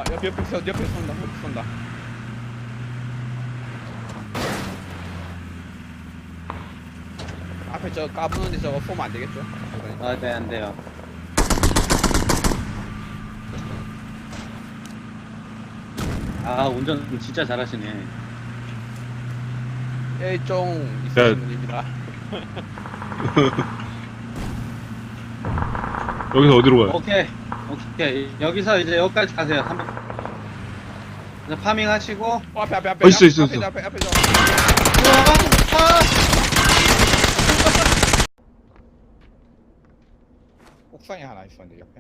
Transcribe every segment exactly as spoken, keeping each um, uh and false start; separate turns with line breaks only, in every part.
옆에 옆에 쏜 옆에 쏜다 옆에 쏜다. 앞에 저 까부는데 저거 쏘면 안 되겠죠?
아, 네, 안 돼요. 아, 운전 진짜 잘하시네.
일종 있으신
네.
분입니다.
여기서 어디로 가요?
오케이. 오케이. 여기서 이제 여기까지 가세요. 한 번. 이제 파밍 하시고.
어, 앞에 앞에 앞에
어, 있어,
앞에,
있어,
앞에
있어.
앞에 앞에 저
아!
옥상에 하나 있었는데 옆에.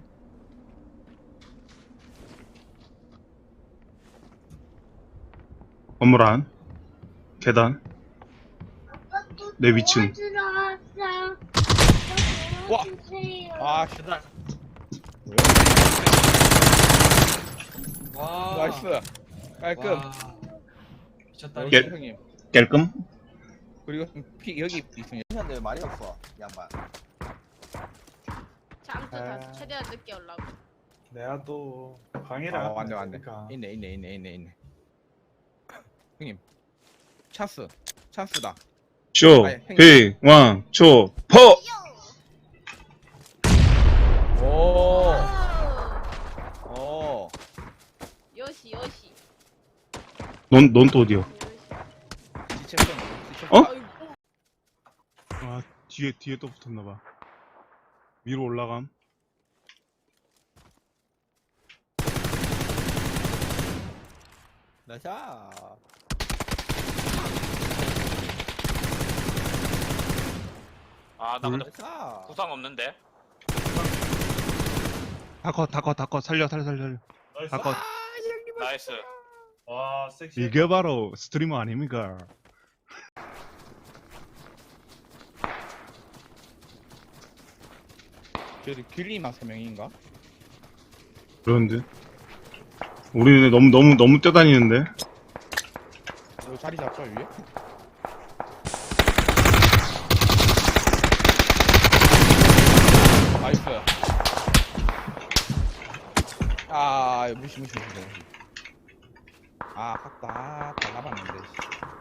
건물 안 계단 내 위층.
와!
와,
아, 씨.
계단. 와,
나이스. 깔끔.
와, 미쳤다.
여기
게-
형님.
깰끔?
그리고 피 여기 있으면
근데 말이 없어, 양반.
잠수 다
아.
최대한 늦게 오려고.
내가 또 강의를
아,
하고
왔네 왔네.
있으니까.
있네 있네 있네 있네 있네. 형님. 찬스. 찬스다.
쇼,
아니, 행님.
비, 왕, 초, 포!
오.
오!
오.
요시 요시.
넌, 넌 또 어디야?
지체성.
어?
아이고.
아, 뒤에, 뒤에 또 붙었나봐. 위로 올라감.
나샤.
아, 나 근데
나샤.
구상 없는데?
다 컷, 다 컷, 다 컷. 살려, 살려, 살려. 다 컷.
나이스.
와, 섹시.
이게 바로 스트리머 아닙니까?
저기 길리만 세 명인가?
그런데. 우리는 너무, 너무, 너무 뛰어다니는데?
여기 자리 잡죠 위에? 나이스. 아 무시 무시 무시 무시. 아 아깝다. 다 잡았는데.